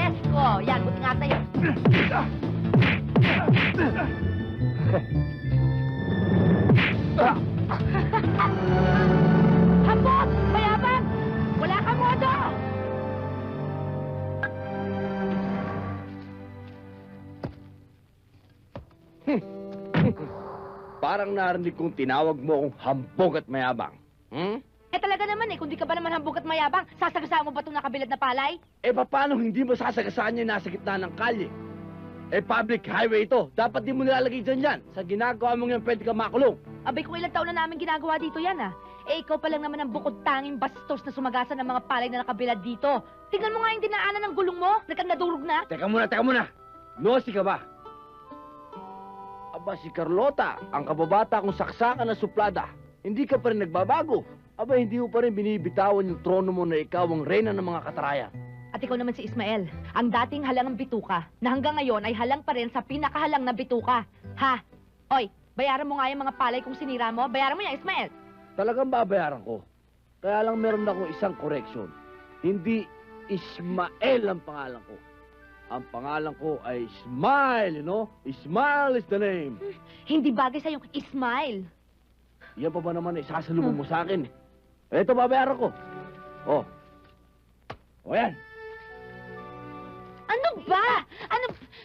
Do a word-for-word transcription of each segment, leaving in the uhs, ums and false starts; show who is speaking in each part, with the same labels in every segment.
Speaker 1: Presko! Yan, buti nga sa'yo. Hapot! Mayabang! Wala kang modo!
Speaker 2: Parang narinig kong tinawag mo akong hambog at mayabang. Hmm?
Speaker 1: Eh talaga naman eh, kung di ka ba naman hambog at mayabang, sasagasaan mo ba itong nakabilad na palay?
Speaker 2: Eh, paano hindi mo sasagasaan yung nasa gitna ng kalye? Eh, public highway ito. Dapat di mo nilalagay dyan yan. Sa ginagawa mong yan, pwede ka makulong.
Speaker 1: Abay, kung ilang taon na namin ginagawa dito yan ah. Eh, ikaw pa lang naman ang bukod tanging bastos na sumagasa ng mga palay na nakabilad dito. Tingnan mo nga yung dinaanan ng gulong mo, nagkang-nadurog na.
Speaker 2: Teka muna, teka muna. Nosy ka ba? Aba, si Carlota, ang kababata kong saksakan na suplada. Hindi ka pa rin nagbabago. Aba, hindi mo pa rin binibitawan yung trono mo na ikaw ang reyna ng mga katarayan.
Speaker 1: At ikaw naman si Ismael, ang dating halang ng bituka, na hanggang ngayon ay halang pa rin sa pinakahalang na bituka. Ha? Oy, bayaran mo nga yung mga palay kung sinira mo. Bayaran mo yan, Ismael.
Speaker 2: Talagang babayaran ko. Kaya lang meron akong isang correction. Hindi Ismael ang pangalan ko. Ang pangalan ko ay Smile, you know? Smile is the name.
Speaker 1: Hindi bagay sa'yo, Ismael.
Speaker 2: Yan pa ba naman isasalubong mo sa akin? Ito, babayaran ko. Oh. O yan.
Speaker 1: Ano ba? Ano?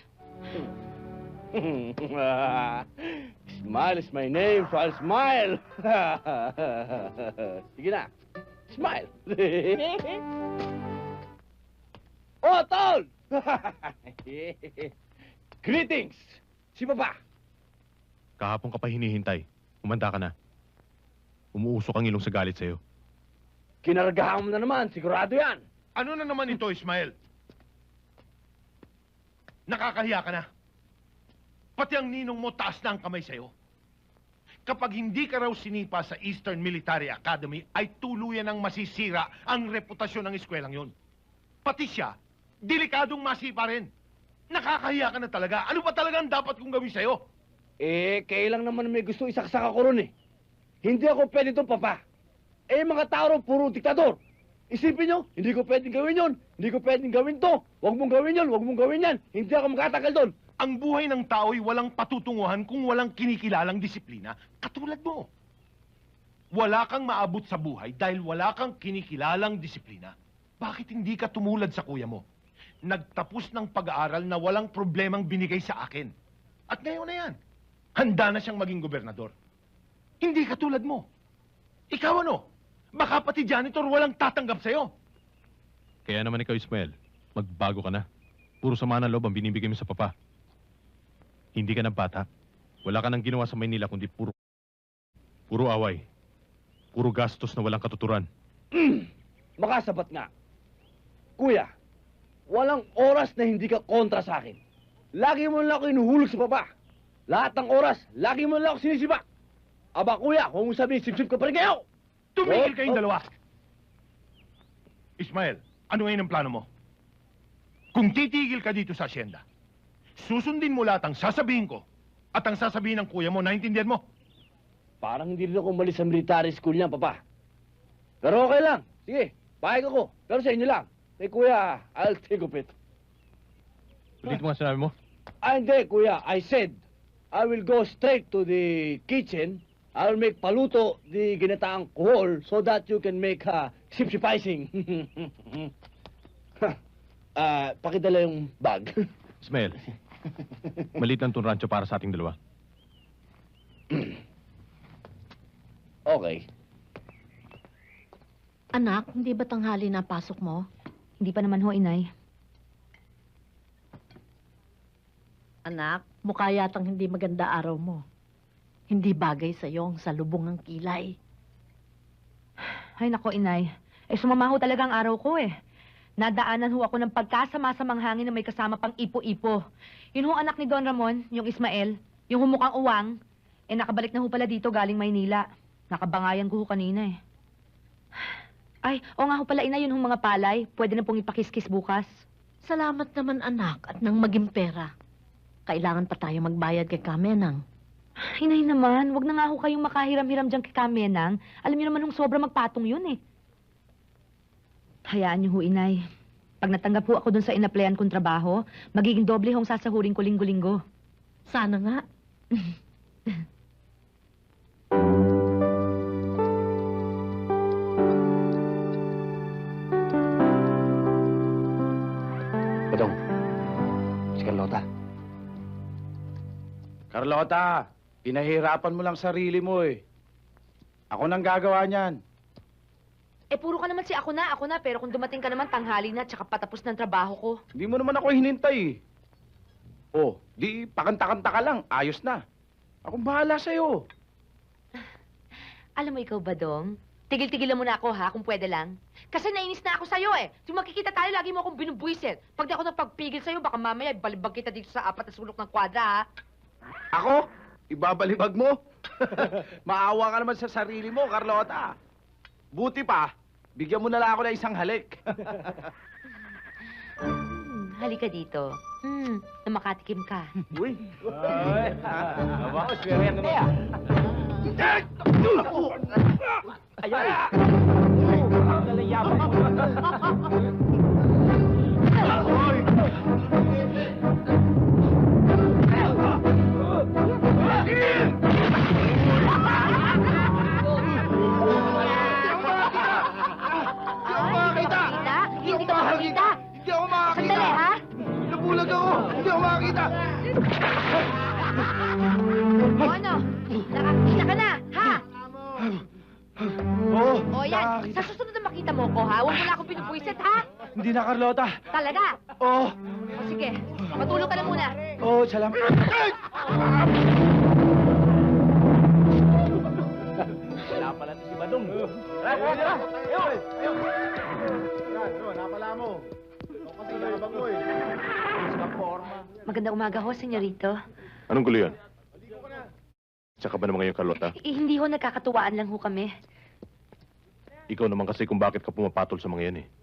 Speaker 2: Smile is my name, so I'll smile. Sige na. Smile. Oh, Tol! Greetings! Si Papa.
Speaker 3: Kahapon ka pa hinihintay. Umanda ka na. Umuusok ang ilong sa galit sa'yo.
Speaker 2: Kinaragahan mo na naman, sigurado yan.
Speaker 3: Ano na naman ito, Ismael? Nakakahiya ka na. Pati ang ninong mo taas na ang kamay sa'yo. Kapag hindi ka raw sinipa sa Eastern Military Academy, ay tuluyan ang masisira ang reputasyon ng eskwelang yon. Pati siya, delikadong masipa rin. Nakakahiya ka na talaga. Ano ba talaga ang dapat kong gawin sa'yo?
Speaker 2: Eh, kailang naman may gusto isaksak ako ron eh. Hindi ako pwede itong Papa. Eh, mga tao ron, puro diktador. Isipin nyo, hindi ko pwedeng gawin yon. Hindi ko pwedeng gawin to. Huwag mong gawin yon, huwag mong gawin yan. Hindi ako makatagal doon.
Speaker 3: Ang buhay ng tao'y walang patutunguhan kung walang kinikilalang disiplina, katulad mo. Wala kang maabot sa buhay dahil wala kang kinikilalang disiplina. Bakit hindi ka tumulad sa kuya mo? Nagtapos ng pag-aaral na walang problemang binigay sa akin. At ngayon na yan, handa na siyang maging gobernador. Hindi katulad mo. Ikaw ano? Baka pati janitor walang tatanggap sa'yo. Kaya naman ikaw, Ismael, magbago ka na. Puro sama ng loob ang binibigay mo sa Papa. Hindi ka na bata. Wala ka nang ginawa sa Maynila kundi puro... Puro away. Puro gastos na walang katuturan.
Speaker 2: Makasabat nga. Kuya, walang oras na hindi ka kontra sa akin. Lagi mo lang ako inuhulog sa Papa. Lahat ng oras, lagi mo lang ako sinisibak. Aba, kuya, kung sabihin, sip-sip ka pa rin kayo!
Speaker 3: Tumigil
Speaker 2: Oh,
Speaker 3: kayong
Speaker 2: oh.
Speaker 3: dalawa! Ismael, ano ngayon ang plano mo? Kung titigil ka dito sa asyenda, susundin mo lahat ang sasabihin ko at ang sasabihin ng kuya mo, naintindihan mo?
Speaker 2: Parang hindi rin ako umalis sa military school niya, Papa. Pero okay lang. Sige, pahig ako. Pero sa inyo lang. Eh, kuya, I'll take of it.
Speaker 3: Ulit mo nga sinabi mo?
Speaker 2: Ah, hindi, kuya. I said, I will go straight to the kitchen. I'll make paluto the ginataang kuhol so that you can make uh, sip-sipicing. Ah, pakidala yung bag.
Speaker 3: Ismael, maliit lang itong rancho para sa ating dalawa.
Speaker 2: Okay.
Speaker 4: Anak, hindi ba tanghali na pasok mo?
Speaker 1: Hindi pa naman ho, inay.
Speaker 4: Anak, mukha yatang hindi maganda araw mo. Hindi bagay sa'yo ang salubong ng kilay.
Speaker 1: Ay, nako, inay. Eh, sumama ho talaga ang araw ko eh. Nadaanan ho ako ng pagkasama-samang hangin na may kasama pang ipo-ipo. Yun ho anak ni Don Ramon, yung Ismael, yung humukhang uwang. Eh, nakabalik na ho pala dito galing Maynila. Nakabangayan ko ho kanina eh. Ay, o nga ho pala, ina, yun ho mga palay. Pwede na pong ipakiskis bukas.
Speaker 4: Salamat naman anak at nang maging pera. Kailangan pa tayo magbayad kay Kamenang.
Speaker 1: Inay naman, wag na nga ho kayong makahiram-hiram dyan kay Kamenang. Alam niyo naman hong sobra magpatong yun eh. Hayaan niyo ho, inay. Pag natanggap ho ako dun sa inaplayan kong trabaho, magiging doble hong sasahurin ko linggo-linggo.
Speaker 4: Sana nga.
Speaker 2: Badong, si Carlota.
Speaker 5: Carlota, pinahirapan mo lang sarili mo eh. Ako nang gagawa niyan.
Speaker 1: Eh, puro ka naman si ako na, ako na, pero kung dumating ka naman tanghali na, tsaka patapos ng trabaho ko.
Speaker 5: Hindi mo naman ako hinintay eh. Oh, di pakanta-kanta ka lang, ayos na. Akong bahala sa'yo.
Speaker 1: Alam mo ikaw ba, Dong? Tigil-tigilan mo na ako, ha, kung pwede lang. Kasi nainis na ako sa'yo, eh. Kung makikita tayo, lagi mo akong binubuisit. Pag di ako napagpigil sa'yo, baka mamaya balibag kita dito sa apat na sulok ng kwadra, ha?
Speaker 5: Ako? Ibabalibag mo? Maawa ka naman sa sarili mo, Carlota. Buti pa, bigyan mo na lang ako ng isang halik.
Speaker 1: Hmm, halika dito. Hmm, na makatikim ka.
Speaker 5: Uy. Ay. Aba, swerte yan na. Ayan. Galayabay.
Speaker 1: Ay, hindi ka makakita? Hindi ka makakita?
Speaker 5: Hindi ako makakita.
Speaker 1: Sandali, ha?
Speaker 5: Nabulag ako. Hindi ako makakita.
Speaker 1: O ano? Nakakita ka na, ha?
Speaker 5: Oo.
Speaker 1: O yan,
Speaker 5: nakakita.
Speaker 1: sa susunod na makita mo ko, ha? Huwag mo na akong pinupuisit, ha?
Speaker 5: Hindi na, Carlota.
Speaker 1: Talaga?
Speaker 5: Oo.
Speaker 1: O sige, matulog ka na muna.
Speaker 5: Oo, salamat. Ay! Wala pala si Badong. Ay, ay, ay, ay, ay, napala mo. Ito kasi nakabang mo eh. Sa forma.
Speaker 1: Magandang umaga ho, senyorito.
Speaker 3: Anong gulo yan? Tsaka ba naman ngayon, Carlota?
Speaker 1: Eh, hindi ho, nagkakatuwaan lang ho kami.
Speaker 3: Ikaw naman kasi kung bakit ka pumapatol sa mga yan eh.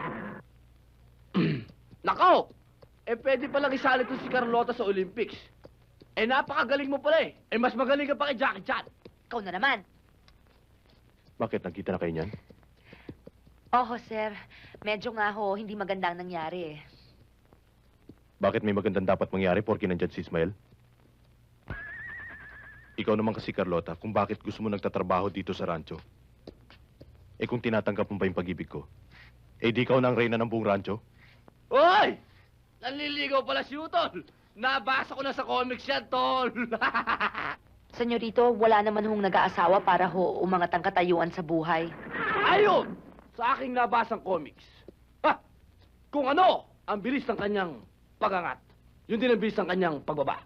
Speaker 2: Nako! Eh, pwede palang isali ko si Carlota sa Olympics. Eh, napakagaling mo pala eh. Eh, mas magaling ka pa kay Jackie Chan.
Speaker 1: Ikaw na naman.
Speaker 3: Bakit? Nagkita na kayo niyan?
Speaker 1: Oho, sir. Medyo nga ho, hindi maganda ang nangyari eh.
Speaker 3: Bakit may magandang dapat mangyari porke nandyan si Ismael? Ikaw naman kasi, Carlota, kung bakit gusto mo nagtatrabaho dito sa rancho. Eh kung tinatanggap mo ba yung pag-ibig ko, eh di ikaw na ang reyna ng buong rancho?
Speaker 2: Hoy! Nanliligaw pala si Utol. Nabasa ko na sa comics yan, Tol.
Speaker 1: Senyorito, wala naman hong nag-aasawa para ho umangat ang katayuan sa buhay.
Speaker 2: Ayun! Sa aking nabasang comics. Ha! Kung ano ang bilis ng kanyang pagangat, yun din ang bilis ng kanyang pagbaba.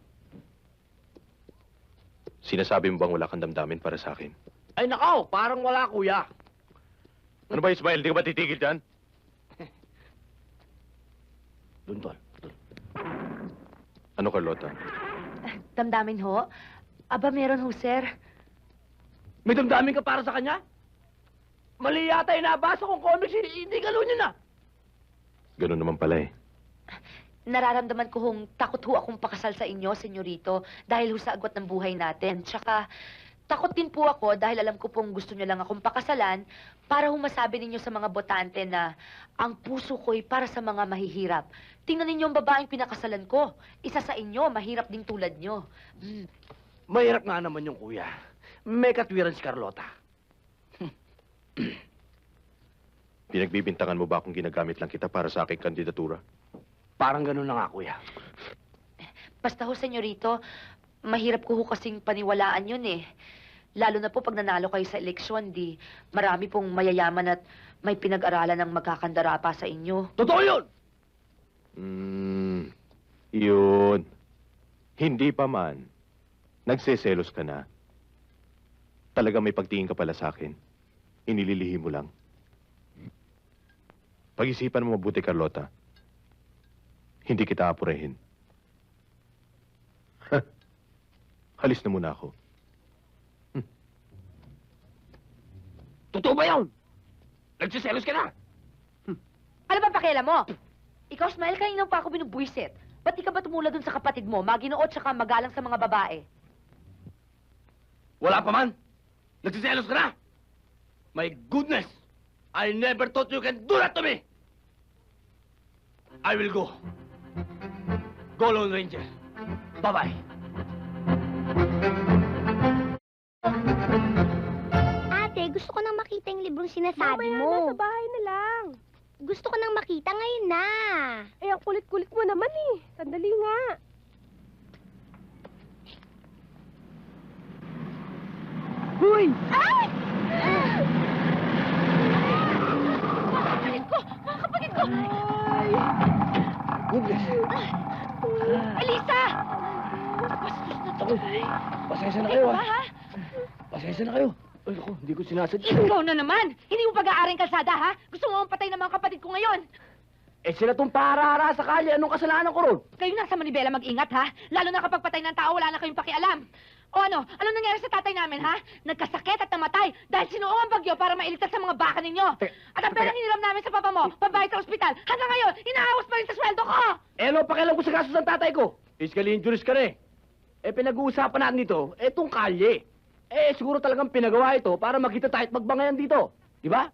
Speaker 3: Sinasabi mo bang wala kang damdamin para sa akin?
Speaker 2: Ay nakaw, parang wala, kuya.
Speaker 3: Ano ba, Ismael? Di ka ba titigil dyan?
Speaker 2: Dun, Tol. Dun.
Speaker 3: Ano, Carlota?
Speaker 1: Damdamin ho? Aba, meron ho, sir.
Speaker 2: May damdamin ka para sa kanya? Mali yata yung nabasa kong comics, hindi hindi gano'n yun ah.
Speaker 3: Ganun naman pala eh.
Speaker 1: Nararamdaman ko hong takot ho akong pakasal sa inyo, senyorito, dahil ho sa agwat ng buhay natin. Tsaka, takot din po ako dahil alam ko pong gusto nyo lang akong pakasalan para ho masabi ninyo sa mga botante na ang puso ko'y para sa mga mahihirap. Tingnan ninyo ang babaeng pinakasalan ko. Isa sa inyo, mahirap ding tulad nyo. Mm.
Speaker 2: Mahirap nga naman yung kuya. May katwiran si Carlota.
Speaker 3: Pinagbibintangan mo ba kung ginagamit lang kita para sa aking kandidatura?
Speaker 2: Parang gano'n na nga, kuya.
Speaker 1: Basta ho, senyorito, mahirap ko ho kasing paniwalaan yun eh. Lalo na po pag nanalo kayo sa eleksyon, di marami pong mayayaman at may pinag-aralan ng magkakandara pa sa inyo.
Speaker 2: Totoo yun!
Speaker 3: Hmm, yun. Hindi pa man. Nagseselos ka na. Talaga may pagtingin ka pala sa akin. Inililihim mo lang. Pag-isipan mo mabuti, Carlota. Hindi kita apurehin. Halis na muna ako.
Speaker 2: Totoo ba yun? Nagsiselos ka na?
Speaker 1: Ano ba pakialam mo? Ikaw, Smile, kanina pa ako binubuisit. Ba't di ka ba tumula dun sa kapatid mo, maginood tsaka magalang sa mga babae?
Speaker 2: Wala pa man. Nagsiselos ka na? My goodness! I never thought you can do that to me! I will go. Go, Lone Ranger. Bye-bye.
Speaker 6: Ate, gusto ko nang makita yung librong sinasabi mo.
Speaker 7: Nasa bahay na lang.
Speaker 6: Gusto ko nang makita ngayon na.
Speaker 7: Eh, ang kulit-kulit mo naman eh. Sandali nga.
Speaker 1: Hoy!
Speaker 7: Ay!
Speaker 1: Kapatid ko! Mga kapatid ko!
Speaker 2: Goodness.
Speaker 1: Elisa! Bastos na to.
Speaker 2: Ako, pasensya na kayo,
Speaker 1: Ikaw ba,
Speaker 2: ah.
Speaker 1: ha?
Speaker 2: Pasensya na kayo. Ay, ako, hindi ko sinasadya.
Speaker 1: Ikaw na naman! Hindi mo pag-aaring kalsada, ha? Gusto mo patay ng mga kapatid ko ngayon.
Speaker 2: Eh, sila tong para-hara sa kalye. Anong kasalanan ko ron?
Speaker 1: Kayo na sa Manibela mag-ingat, ha? Lalo na kapag patay ng tao, wala na kayong pakialam. O ano? Ano nangyari sa tatay namin, ha? Nagkasakit at namatay dahil sinuong ang bagyo para mailigtas sa mga baka ninyo.
Speaker 2: Teka,
Speaker 1: At ang perang hiniram namin sa papa mo, pambayad sa ospital, hanggang ngayon, inaawas pa rin sa sweldo ko!
Speaker 2: Eh, ano pakialam ko sa kaso ng tatay ko? Physically injuries ka na eh. Eh, pinag-uusapan natin dito, etong kalye. Eh, siguro talagang pinagawa ito para makita tayo at magbangayan dito. Di ba?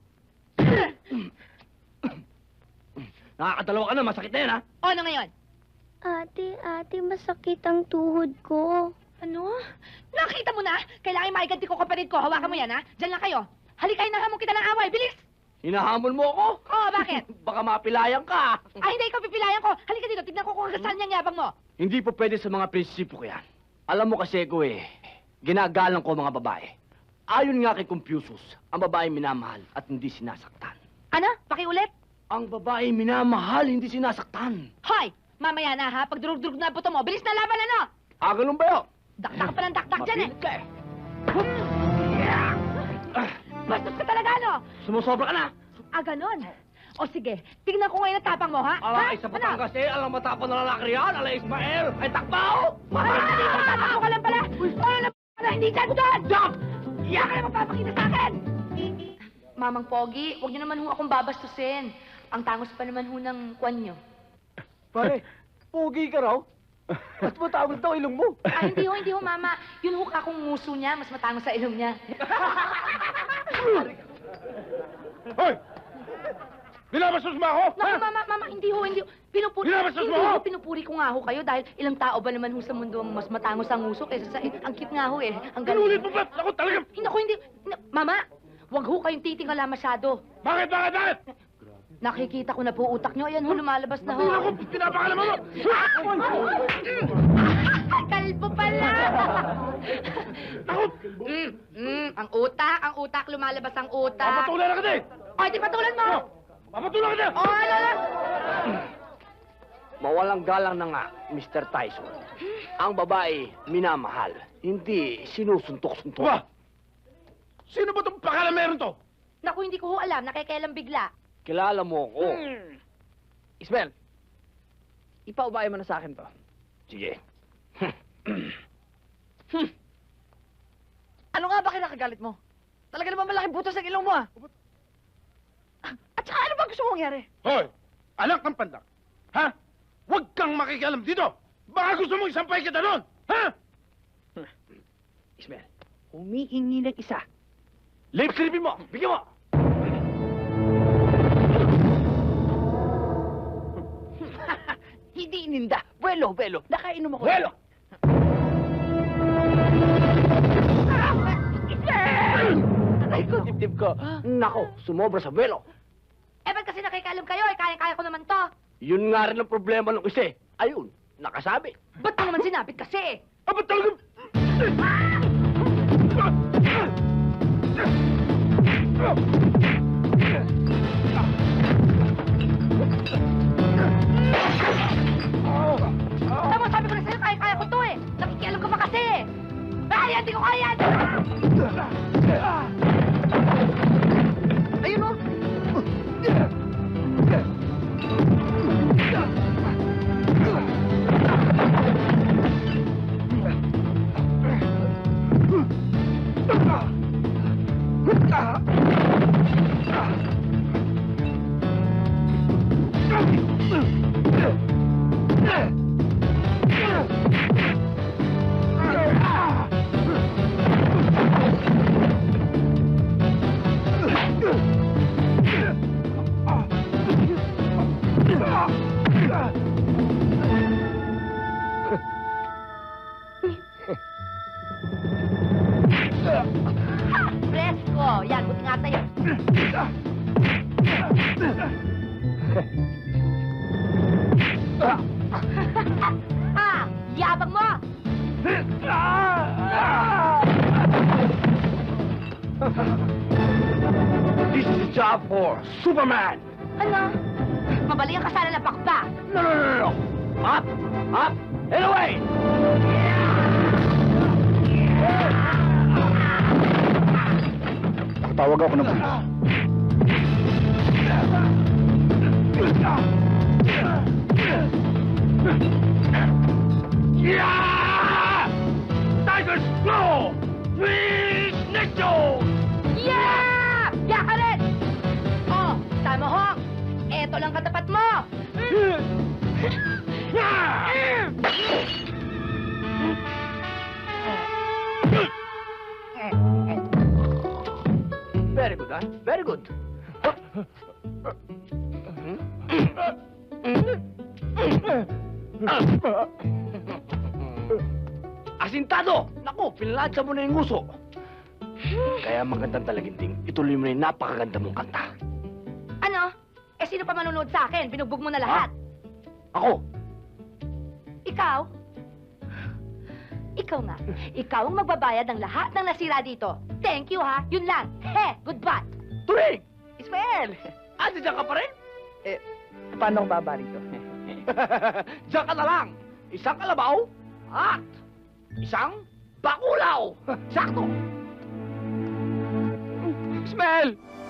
Speaker 2: Nakakadalawa ka na, masakit na yan, ha?
Speaker 1: O ano ngayon?
Speaker 6: Ate, ate, masakit ang tuhod ko.
Speaker 1: Ano? Nakita mo na? Kailangan maiganti ko kapatid ko. Hawakan mo yan, ha? Diyan lang kayo. Halika, hinahamon kita ng away. Bilis!
Speaker 2: Hinahamon mo ako?
Speaker 1: Oo, bakit?
Speaker 2: Baka mapilayan ka.
Speaker 1: Ay, hindi ikaw pipilayan ko. Halika dito, tignan ko kung hanggang saan niyang yabang mo.
Speaker 2: Hindi po pwede sa mga prinsipyo ko yan. Alam mo kasi ko eh, ginagalang ko mga babae. Ayon nga kay Confucius, ang babae minamahal at hindi sinasaktan.
Speaker 1: Ano? Pakiulit?
Speaker 2: Ang babae minamahal, hindi sinasaktan.
Speaker 1: Hoy! Mamaya na, ha? Pag durug-durug na ang buto mo, bilis na laban, ano?
Speaker 2: Ah, ganun ba yun?
Speaker 1: Dakdak pa ng dakdak dyan, eh.
Speaker 2: Mapilit ka eh.
Speaker 1: Bastos ka talaga, ano?
Speaker 2: Sumusobra ka na.
Speaker 1: Ah, ganon. O sige, tignan ko ngayon ang tapang mo, ha?
Speaker 2: Ala,
Speaker 1: ha?
Speaker 2: isa Batangas eh. Alam matapang na lalaki yan. Ala, Ismael. Ay, takbaw!
Speaker 1: Ay, hindi mo tatakbo ka lang pala! Ano na na hindi dyan doon? Stop! Iyan ka na magpapakita sa akin! Mamang Pogi, huwag niyo naman ho akong babastusin. Ang tangos pa naman ho ng kwan niyo.
Speaker 2: Pare, pugi ka raw. At matawag daw ilong mo.
Speaker 1: Ah, hindi ho, hindi ho, Mama. Yun ho kakong nguso niya, mas matangos sa ilong niya.
Speaker 3: Hoy! Binabastos mo ako?
Speaker 1: Naku,
Speaker 3: ha?
Speaker 1: Mama, Mama, hindi ho, hindi ho. Pinupuri,
Speaker 3: Binabastos
Speaker 1: hindi
Speaker 3: mo
Speaker 1: ho,
Speaker 3: ako?
Speaker 1: pinupuri ko nga ho kayo dahil ilang tao ba naman ho sa mundo ang mas matangos ang nguso kaysa sa... Ang cute nga ho eh. Ang
Speaker 3: Pinulit mo ba? Ako talaga.
Speaker 1: Hindi ko, hindi... na- Mama, wag ho kayong titingala masyado.
Speaker 3: Bakit, bakit, bakit?
Speaker 1: Nakikita ko na po utak niyo. Ayan ho, lumalabas na ho.
Speaker 3: Hindi ako pinapakalaman mo.
Speaker 1: Kalbo pala!
Speaker 3: Ako!
Speaker 1: mm, mm, ang utak, ang utak, lumalabas ang utak.
Speaker 3: Papatulan na kita eh.
Speaker 1: O, di patulan mo!
Speaker 3: Papatulan kita.
Speaker 1: O, ano na?
Speaker 2: Mawalang galang na nga, Mister Tyson. Ang babae, minamahal. Hindi sinusuntok-suntok.
Speaker 3: Ba? Sino ba itong pakala meron to?
Speaker 1: Naku, hindi ko ho alam. Nakikialam bigla.
Speaker 2: Kilala mo ako.
Speaker 1: Hmm.
Speaker 2: Ismael, ipaubayan mo na sa akin to. Sige.
Speaker 7: Ano nga ba kinakagalit mo? Talaga naman malaking butas ang ilong mo ah. At saka ano ba gusto mong mangyari?
Speaker 3: Hoy! Anak ng pandak. Ha? Huwag kang makikialam dito. Baka gusto mong isampay kita doon. Ha?
Speaker 2: Ismael, humihingi ng isa. Lip silipin mo! Bigyan mo! Hindi ininda. Buelo, buelo. Nakainom ako.
Speaker 3: Buelo!
Speaker 2: Ay, ko, tip ko. Nako, sumobra sa buelo.
Speaker 1: Eh, ba't kasi nakikialam kayo? Eh, kaya-kaya ko naman to.
Speaker 2: Yun nga rin ang problema ng isa eh. Ayun, nakasabi.
Speaker 1: Ba't mo naman sinapit kasi?
Speaker 3: Aba talaga...
Speaker 1: Tama, sabi ko na sa'yo, kaya-kaya ko to eh. Nakikialam ka pa kasi eh. Ay, hindi ko kaya!
Speaker 7: Ayun oh!
Speaker 3: Ah!
Speaker 1: Oh, yan, buti nga sa'yo. Ha! Yabang mo!
Speaker 2: This is a job for Superman!
Speaker 1: Ano? Mabali ang kasala ng pakpak.
Speaker 2: No, no, no, no, no! Up! Up! And away!
Speaker 5: Tawag ako ng pulis.
Speaker 2: Yeah! Tiger's Claw! Please, Necto!
Speaker 1: Yeah! Yeah ka rin! Oh, tama hong! Eto lang katapat mo!
Speaker 2: Very good, ah. Very good. Asintado! Naku, pinalansya mo na yung nguso. Kaya magandang talaginting, ituloy mo na yung napakaganda mong kanta.
Speaker 1: Ano? Eh, sino pa manunood sa akin? Binugbog mo na lahat.
Speaker 2: Ako,
Speaker 1: Ikaw? Ikaw nga. Ikaw ang magbabayad ng lahat ng nasira dito. Thank you, ha? Yun lang. He, goodbye.
Speaker 2: Turing!
Speaker 7: Ismael!
Speaker 2: Ah, diyan ka pa rin?
Speaker 7: Paano ang baba rito?
Speaker 2: Diyan ka na lang. Isang kalabaw at isang bakulaw. Sakto.
Speaker 5: Ismael!